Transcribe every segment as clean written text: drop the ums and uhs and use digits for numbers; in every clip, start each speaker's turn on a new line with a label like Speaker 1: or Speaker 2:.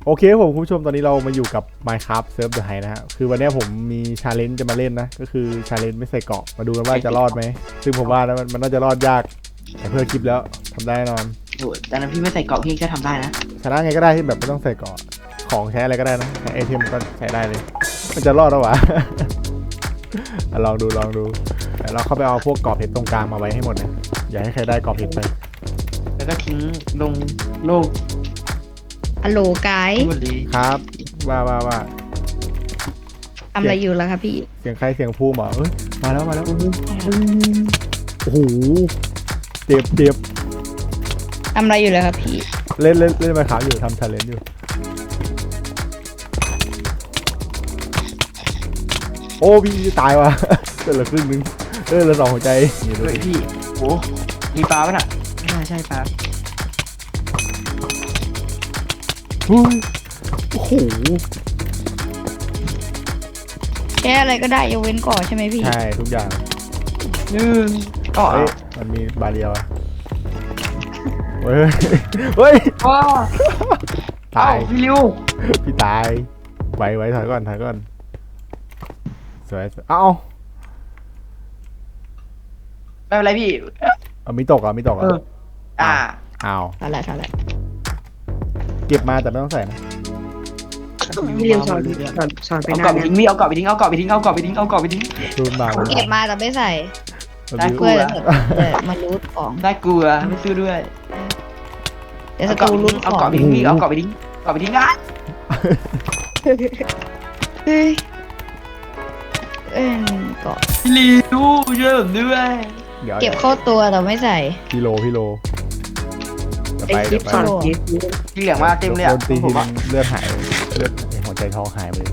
Speaker 1: โอเคผมคุณผู้ชมตอนนี้เรามาอยู่กับ Minecraft Serve the High นะฮะคือวันนี้ผมมีชาเลนจ์จะมาเล่นนะก็คือชาเลนจ์ไม่ใส่เกราะมาดูกันว่าจะรอดไหมซึ่งผมว่านะมันน่าจะรอดยากแต่เพื่อคลิปแล้วทำได้แน่นอน
Speaker 2: โอ้แต่นั้นพี่ไม่ใส่เกราะพี่ก็ทำได้นะ
Speaker 1: ชนะไงก็ได้ที่แบบไม่ต้องใส่เกราะของใช้อะไรก็ได้นะใช้ไอเทมก็ใช้ได้เลยมันจะรอดหรอวะ ลองดูแต่เราเข้าไปเอาพวกเกราะเพชรตรงกลางมาไว้ให้หมดนะอย่าให้ใครได้เกราะเพชรไป
Speaker 2: แล้วก็ทิ้งลงโลก
Speaker 3: ฮัลโหลไกด์
Speaker 2: หมดเลย
Speaker 1: ครับว่า
Speaker 3: ทำอะไรอยู่แล้วครับพี่
Speaker 1: เสียงใครเสียงภูมิเหรอเอ้ยมาแล้วโอ้โหเจ็บ
Speaker 3: ทำอะไรอยู่แล้วครับพี่
Speaker 1: เล่นมาขาวอยู่ทำชาเลนจ์อยู่โอ้พี่ตายว่ะ เหลือครึ่งนึงเหลือ2หัวใจนี่ดู
Speaker 2: เฮ้ย
Speaker 1: ดิ
Speaker 2: พี่โอ้มีปลาป่ะน่ะไม่น่าใช่ปลา
Speaker 1: อุ้ยโอ้โห
Speaker 3: แค่อะไรก็ได้ยกเว้นก่อใช่ไหมพี่
Speaker 1: ใช่ทุกอย่าง
Speaker 2: ก็
Speaker 1: เฮ้ยมันมีบาเรียวอะเฮ้ย เฮ้ย
Speaker 2: ว้า
Speaker 1: ตาย
Speaker 2: พี่ริว
Speaker 1: พี่ตายไว้ถอยก่อนสวยเอ้า
Speaker 2: ไม่เป็นไรพี่
Speaker 1: เอามีตกอ่ะ
Speaker 2: อ่า
Speaker 1: อ้าว
Speaker 3: อะไร
Speaker 1: เก็บมาแต่ไม่ต้องใส่นะ
Speaker 3: พี่ริวสอนไป
Speaker 2: เอา
Speaker 3: ห
Speaker 2: เกาะ
Speaker 3: น้า
Speaker 2: ไปทิ้งพี่เอาเกาะไปทิ้งเอาเกาะไปทิ้งเอาเกาะไปทิ้งเอาเกาะไปทิ้ง
Speaker 1: ดูมา
Speaker 3: เก็บมาแต่ไม่ใส่
Speaker 2: ได้
Speaker 3: เพื่อมารูทของ
Speaker 2: ได้กลัวไม่ซื้อด้วย
Speaker 3: เดี๋ยวสตูรูทข
Speaker 2: เอา
Speaker 3: อง
Speaker 2: เกาะไปทิ้งพี่เอาเกาะไปทิ้งเกาะไปทิ้งอ่ะ
Speaker 3: เฮ้ยเกาะ
Speaker 2: พี่ริวช่วยผมด้วย
Speaker 1: เดี๋ยว
Speaker 3: เก็บเข้าตัวแต่ไม่ใส่
Speaker 1: พี่โลเดี๋ยวไป
Speaker 2: พี่เหลืองมาเต็มเลย
Speaker 1: โด
Speaker 2: อ่ะ
Speaker 1: นตี
Speaker 2: ผ
Speaker 1: ที
Speaker 2: ม
Speaker 1: นึ
Speaker 2: อ่ะ
Speaker 1: งเลือดหายเลือดหัวใจทองหายไปเลย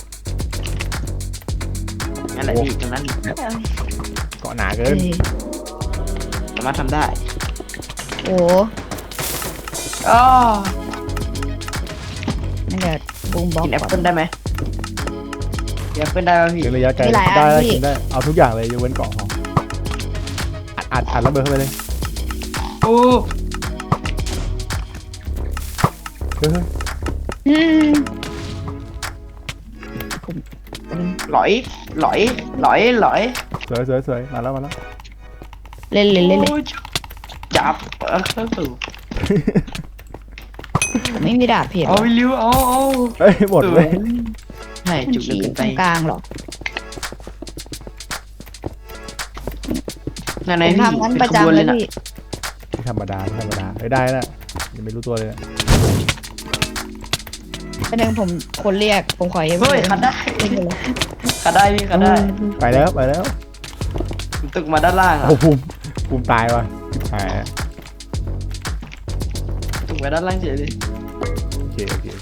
Speaker 2: นั่นแหละพี่ตรงนั้น
Speaker 1: เกาะหนาเกิน
Speaker 2: สามารถทำได้
Speaker 3: โอ้
Speaker 2: อ๋อ
Speaker 3: นั่นเดี๋ยวบูมบล็อก
Speaker 2: กินแอป
Speaker 3: ก่อน
Speaker 2: เปิ้ลได้ไหมกินแอปเปิ้ลได้ป่ะพี่
Speaker 1: เป็นระยะไกล
Speaker 3: มีหลายอัน
Speaker 1: ได้
Speaker 3: พี่
Speaker 1: กินได้เอาทุกอย่างเลยยกเว้นเกาะทองอัดระเบิดเข้าไปเลย
Speaker 2: โอ้
Speaker 1: เฮ้ย
Speaker 3: อืม
Speaker 2: หลอย
Speaker 1: สวยมาแล้ว
Speaker 3: เล่น
Speaker 2: โอ้ยจับ
Speaker 3: ไม่มีดาบเพชร
Speaker 2: เอาไปริ้วเอา
Speaker 1: เฮ้ยหมดเลย
Speaker 2: ไม่
Speaker 3: มัน
Speaker 2: จุก
Speaker 3: ฉี
Speaker 2: เกิน
Speaker 3: ต
Speaker 2: ไป
Speaker 3: รงกลางหรอ
Speaker 2: นั่น
Speaker 3: ผ
Speaker 2: ไง
Speaker 3: ม
Speaker 2: พี่
Speaker 3: ทำงั้น
Speaker 2: เป็
Speaker 3: ประ
Speaker 2: นขบวน
Speaker 3: จำ
Speaker 2: เล
Speaker 3: เลย ย
Speaker 2: นะ
Speaker 3: พี่
Speaker 1: ไม่ธรรมดาได้นะยังไม่รู้ตัวเลยนะ
Speaker 3: ประเด็นผมคนเรียกผมขอเอฟ
Speaker 2: เฮ้ยขัดได้
Speaker 3: เล่นไปเลย
Speaker 2: ขัดได้พี่ขัดได้
Speaker 1: ไปแล้ว
Speaker 2: ตึกมาด้านล่างอ่ะ
Speaker 1: โอ้ภูมิตายว่ะหาย
Speaker 2: ตึกมาด้านล่างเฉยเลย
Speaker 1: โอเค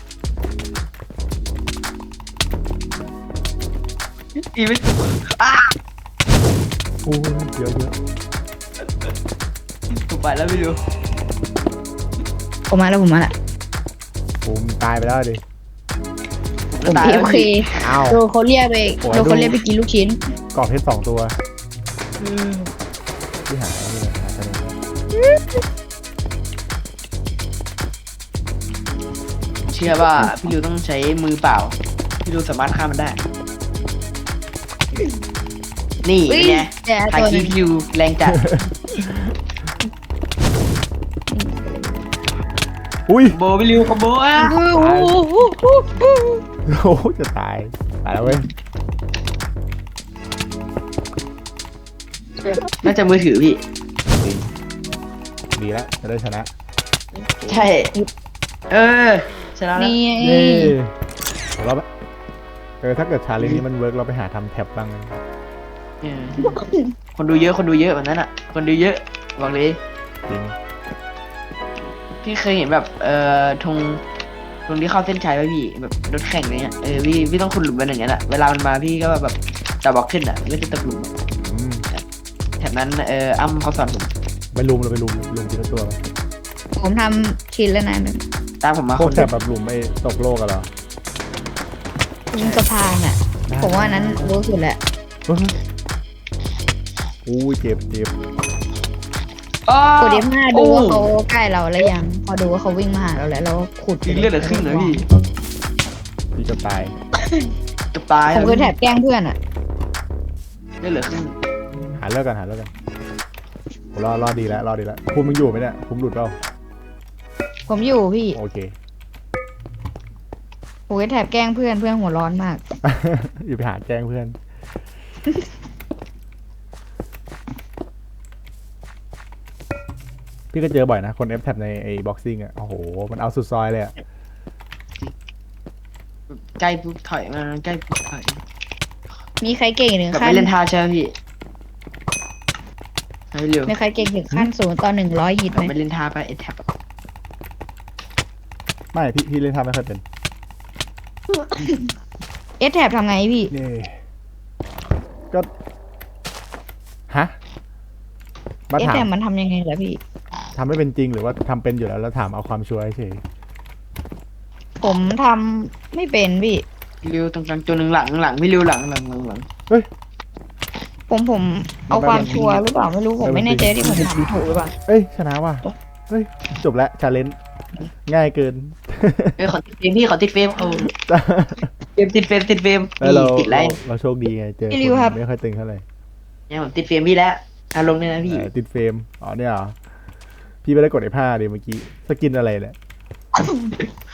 Speaker 2: อีไม่ตึกอ่ะ
Speaker 1: โอ้เยอะ
Speaker 2: ถูกไปแล้วพี่ริ้ว
Speaker 3: ผมมาแล้ว
Speaker 1: ภูมิตายไปแล้วดิ
Speaker 3: ผม
Speaker 2: ตาย
Speaker 3: เอ
Speaker 2: แล้ว
Speaker 3: ฟเค
Speaker 1: อ้าว
Speaker 3: โดนเขาเรียกไปกินลูกชิ้น
Speaker 1: เกาะเพชร2 ตัวที่หายนี่แหละหาคะแนน
Speaker 2: เชื่อว่าพี่ริ้วต้องใช้มือเปล่าพี่ริ้วสามารถฆ่ามันได้ นี่
Speaker 3: อุ้ย
Speaker 2: ไง
Speaker 3: แต่
Speaker 2: ทา
Speaker 3: ตัว
Speaker 2: คี
Speaker 3: นึง
Speaker 2: พี่ริ้วแรงจัด
Speaker 1: อุ้ย
Speaker 2: โบพี่ริ้วคอมโบอ่ะ
Speaker 1: โอ้จะตายแล้วเว้ย
Speaker 2: น่าจะมือถือพี่
Speaker 1: ดีแล้วจะได้ชนะ
Speaker 2: ใช่ เออชนะแล้ว
Speaker 3: นี่
Speaker 1: เย้เราถ้าเกิดชาเลนจ์นี้มันเวิร์กเราไปหาทำแท็บบ้าง
Speaker 2: เออคนดูเยอะแบบนั้นอ่ะ คนดูเยอะบอกเลย
Speaker 1: จริง
Speaker 2: พี่เคยเห็นแบบธงที่เข้าเส้นชัยไหมพี่แบบรถแข่งอะไรเงี้ยพี่ต้องขุดหลุมเป็นอย่างเงี้ยแหละเวลามันมาพี่ก็แบบจะบอกขึ้นอ่ะไม่จะตกหลุม
Speaker 1: อืม
Speaker 2: แถบนั้นอ้ำเขาสอนผม
Speaker 1: ไปลุมทีละตัวไหม
Speaker 3: ผมทำชิ้นแล้วนะ
Speaker 2: ตามผมมา
Speaker 1: พว
Speaker 2: ค
Speaker 1: ก
Speaker 2: น
Speaker 1: แท็
Speaker 2: เดียว
Speaker 1: บแบบลุมไม่ตกโลกกันเหรอ
Speaker 3: ยิงสะพานอ่ะ ผมว่านั้นรู้สุดแหละ
Speaker 1: อู้เจ็บ
Speaker 3: กด F5 ดูว่าเขาใกล้เราแล้วยัง พอดูว่าเขาวิ่งมาหาเราแล้วเราขุด
Speaker 2: ยิงเลือดเหลือครึ่งเลยพี่
Speaker 1: พี่จะตาย
Speaker 2: จะตาย
Speaker 3: ผมเคยแถบแกล้งเพื่อนอ่ะ
Speaker 2: เลือดเหลือครึ่ง
Speaker 1: หาเลิกกันรอดีแล้วภูมิมึงอยู่ไหมเนี่ยภูมิหลุดเปล่า
Speaker 3: ผมอยู่พี่
Speaker 1: โอเค
Speaker 3: ผมเคยแถบแกล้งเพื่อนหัวร้อนมาก
Speaker 1: อย่าไปหาแกล้งเพื่อน พี่ก็เจอบ่อยนะ คน F แท็บในไอ้บ็อกซิ่งอ่ะ โอ้โห มันเอาสุดซอยเลยอ่ะ
Speaker 2: ใกล้ปุ๊บถอยมาใกล้ปุ๊บถอย
Speaker 3: มีใครเก่งถึง
Speaker 2: กลับ
Speaker 3: ขั้
Speaker 2: ไป
Speaker 3: น
Speaker 2: เล่นท่าใช่ไหมพี่ให้เร็ว
Speaker 3: มีใครเก่งถึงขั้น0 ต่อ 100ฮิต
Speaker 2: กลั
Speaker 3: ไห
Speaker 2: บ
Speaker 3: ม
Speaker 2: ไปเล่นท่าไปเอทแท็บ
Speaker 1: ไม่ พี่เล่นท่าไม่ค่อยเป็น
Speaker 3: เอสแถบทำไงพี่
Speaker 1: นี่ก็ ฮะมา
Speaker 3: เอส
Speaker 1: ถา
Speaker 3: แถ
Speaker 1: ม
Speaker 3: บมันทำยังไงเหรอพี่
Speaker 1: ทำไม่เป็นจริงหรือว่าทำเป็นอยู่แล้วถามเอาความชัวร์เฉย
Speaker 3: ผมทำไม่เป็นพี่
Speaker 2: เร็วตรงกลางตัวหนึ่งหลังพี่เร็วหลัง
Speaker 1: เฮ้ย
Speaker 3: ผมเอาความชัวร์หรือเปล่าไม่รู้ผมไม่แน่ใจที่ผมทำถูกหรือเปล่า
Speaker 1: เอ้ย ชนะว่ะ เฮ้ย จบแล้วชาเลนจ์ง่ายเกิน
Speaker 2: ขอติดเฟรมพี่ขอติดเฟรมเอาเฟรมติดเฟรม
Speaker 1: แล้วเรา
Speaker 2: ติดไร
Speaker 1: เราโชคดีไงเจอ
Speaker 3: พี่ริวครับ
Speaker 1: ไม่ค่อยตึงเท่าไหร่
Speaker 2: เนี่ยผมติดเฟรมพี่แล้วอารมณ์เนี่ยนะพี่
Speaker 1: ติดเฟรมอ๋อเนี่ยเหรอพี่ไม่ได้กดF5ดิเมื่อกี้สกินอะไรเนี่ย